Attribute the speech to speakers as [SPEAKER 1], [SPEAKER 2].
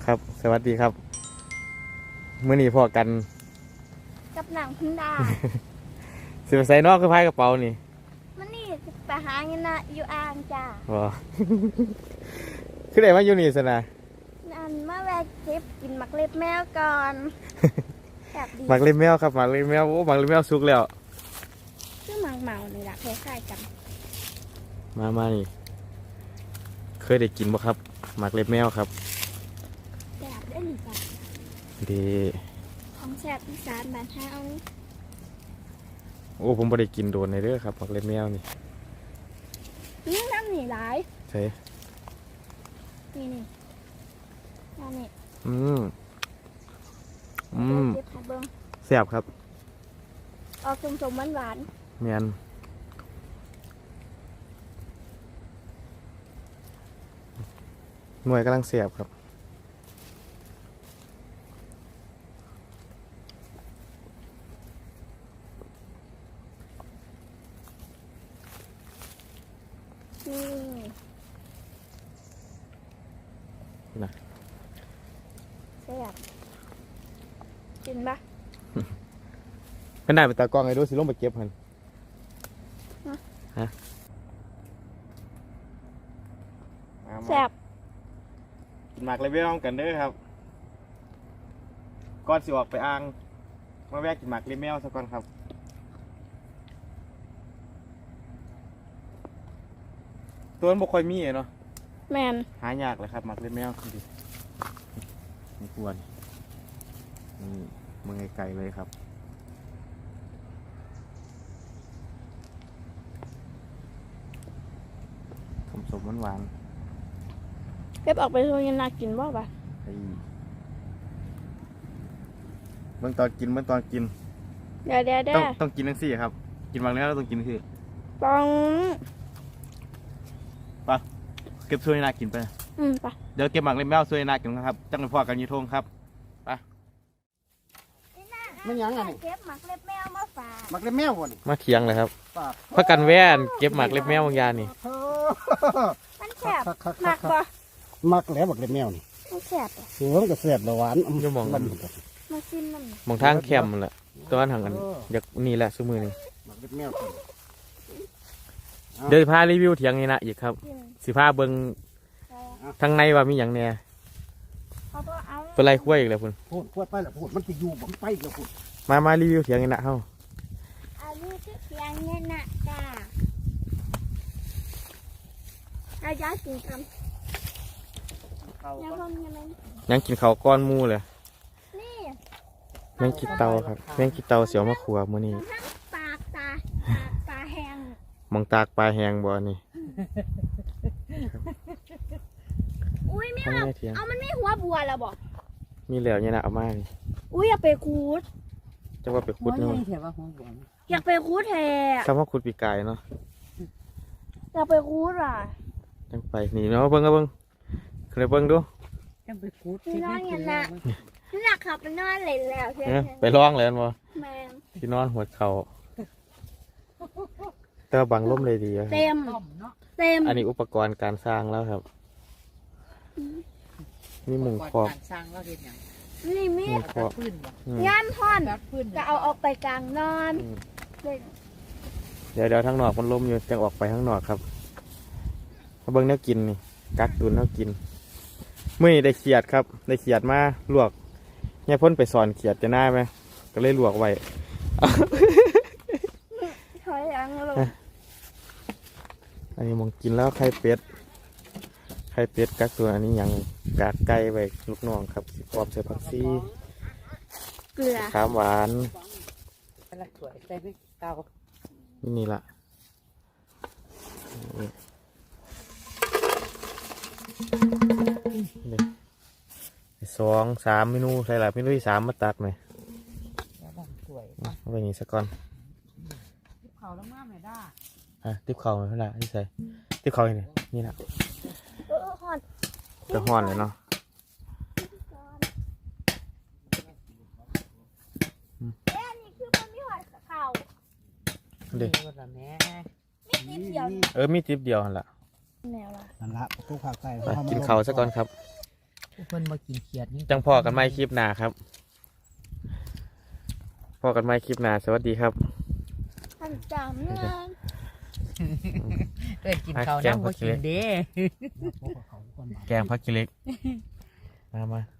[SPEAKER 1] ครับสวัสดีครับมื้อนี้พอกัน
[SPEAKER 2] กับหนังพึ่งดา
[SPEAKER 1] สิไปใส่นอกคือพายกระเป๋านี่
[SPEAKER 2] มันนี่ไปหาเงินนะอยู่อ่างจ้า
[SPEAKER 1] บ่ คือได้มาอยู่นี่ซะนะ
[SPEAKER 2] นั่นมาแวะเก็บกินหมักเล็บแมวก่อนแบบดี
[SPEAKER 1] หมักเล็บแมวครับหมักเล็บแมวโอ้หมักเล็บแมวสุกแล้ว
[SPEAKER 2] ชื่อหมักเมาเลยล่ะคล้ายๆกัน
[SPEAKER 1] มานี่เคยได้กินบ่ครับหมักเล็บแมวครับ
[SPEAKER 2] แบบได้หรือเปล่า
[SPEAKER 1] ดี
[SPEAKER 2] ของแซ่บอีสานบ้านเฮา
[SPEAKER 1] โอ้ผมบ่ได้กินโดนเลยเด้อครับหมักเล็บแมวนี่
[SPEAKER 2] นี่น้ำหนีหลาย
[SPEAKER 1] ใช่
[SPEAKER 2] นี่น้ำนี่เก็บผัดเบิ้ง
[SPEAKER 1] แซ่บครับ
[SPEAKER 2] ออกสมๆหวาน
[SPEAKER 1] แม่นหน่วยกำลังแซ่บครับ
[SPEAKER 2] นี่แซ่บกินปะ
[SPEAKER 1] เป็นได้ไปตากล้องไอ้ดูสิลงไปเก็บหันฮะ
[SPEAKER 2] แซ่บ
[SPEAKER 1] กินหมากเลยเว้ยน้องกันเด้อครับก่อนสิออกไปอ่างมาแวะกินหมากเลยแมวสักก่อนครับตัวมันบ่ค่อยมีเนาะ
[SPEAKER 2] แมน
[SPEAKER 1] หายากเลยครับหมากเลยแมวดิไม่ควรนี่มึงไกลๆเลยครับสมหวาน
[SPEAKER 2] เก็บออกไปโรงเรียนน่ากินบ่ปะ
[SPEAKER 1] เมื่อตอนกิน
[SPEAKER 2] เดี๋ยว
[SPEAKER 1] ต้องกินทั้งสี่ครับกินบางเนื้อเราต้องกินคือ
[SPEAKER 2] ต้อง
[SPEAKER 1] ปะเก็บช่วยนากินไป
[SPEAKER 2] ปะ
[SPEAKER 1] เดี๋ยวเก็บหมากเล็บแมวช่วยนากินครับจังเลยพ่อกันยูทงครับไป
[SPEAKER 3] มันยังไง
[SPEAKER 2] เก็บหมักเล็บแมวมาฝาก
[SPEAKER 3] หมักเล็บแมวบ่นี่
[SPEAKER 1] มาเคียงเลยครับพักกันแว่นเก็บหมากเล็บแมวบางยานี่
[SPEAKER 2] มันแสบหมักบ่
[SPEAKER 3] หมักแล้วหมักเล็บแมวนี่
[SPEAKER 2] มันแสบ
[SPEAKER 3] เสือมันก็แสบหวาน
[SPEAKER 1] จะมอง
[SPEAKER 2] มาซิมมัน
[SPEAKER 1] มองทางแคมมันแหละตัวนั้นห่างกันอยากนี่แหละซื้อมือนี่
[SPEAKER 3] หมักเล็บแมว
[SPEAKER 1] เดี๋ยวพารีวิวเถียงนี่นะอีกครับสิพาเบิ้งทางในว่ามีอย่างแน่เป็นไรคุ้ยอีกแล้วคุณ
[SPEAKER 3] พูดไปแล้วพูดมันจะอยู่ผมไปแล้วพูด
[SPEAKER 1] มารีวิวเถียงนี่นะเฮ้า
[SPEAKER 2] อายุที่เถียงนี่นะจ้าอาญากินคำ
[SPEAKER 1] ยังกินเขาก้อนมูเลยแมงกิเตาครับแมงกิเตาเสียวมะขัวมื้อนี้
[SPEAKER 2] ปากตาแห้ง
[SPEAKER 1] มองตากปลาแห้งบ่นี่
[SPEAKER 2] อุ้ยไม่เอามันไม่หัวบัวแล้วบอก
[SPEAKER 1] มีเหลวเนี่ยนะเอามา
[SPEAKER 2] อุ้ยอยากไปคูด
[SPEAKER 1] จะว่าไปขุดเนาะ
[SPEAKER 2] อยากไปคูดแท้
[SPEAKER 1] คำว่าขุดปีกายเนาะ
[SPEAKER 2] อยากไปคูดอ่ะ
[SPEAKER 1] จังไปนี่เนาะเบิ้งก็เบิ้งเคยเบิ้งดู
[SPEAKER 3] จังไปคูด
[SPEAKER 2] นอนอย่างน่ะนี่หนักขับไปนอนเลยแล้วใช่ไหม
[SPEAKER 1] ไปร้องเลยมั้ย
[SPEAKER 2] แมง
[SPEAKER 1] ที่นอนหัวเข่าแต่บังล่มเลยดี
[SPEAKER 2] เต็ม
[SPEAKER 1] อันนี้อุปกรณ์การสร้างแล้วครับนี่มุงครอบ
[SPEAKER 2] นี่มี
[SPEAKER 1] ครอบ
[SPEAKER 2] ย่านท่อนจะเอาออกไปกลางนอน
[SPEAKER 1] เดี๋ยวทั้งนอกมันล่มอยู่จะออกไปข้างนอกครับเบิ้งเนื้อกินนี่กักตุนเนื้อกินมื่อนี้ได้เขียดครับได้เขียดมาลวกเนี่ยพ่นไปสอนเขียดจะน่าไหมก็เลยลวกไว้
[SPEAKER 2] ถอยหลังลง
[SPEAKER 1] อันนี้มองกินแล้วไข่เป็ดกักตัวอันนี้ยังกากไก่ไว้ลูกน้องครับพร้อมใส่ผักชี
[SPEAKER 2] เกลือ
[SPEAKER 1] ข้าวหวานนี่ล่ะ2-3 เมนูใส่หลายเมนูที่3มาตักหน่อยเอาไปอย่างนี้สักก่อน
[SPEAKER 3] ติ๊บเข่าแล้วมาไม่ได้
[SPEAKER 1] ติ๊บเข่าเท่าไหร่ที่ใส่ติ๊บเข่าอย่างนี้นี่แหละจะห่อนเลยเนาะเด็กมีติ๊บเดียวนั่นแหละ
[SPEAKER 3] นั่นละตู้ผักใส่
[SPEAKER 1] กินเข่าสักก่อนครับ
[SPEAKER 3] เพิ่นมากินเขียดนี่
[SPEAKER 1] จังพอกันไม่คลิปหน้าครับพอกันไม่คลิปหน้าสวัสดีครับ
[SPEAKER 2] ท่านจำเงิน
[SPEAKER 3] เอ้ยกินข้าวน้ำบ่กินเด้
[SPEAKER 1] แกงพักกิเล็กมา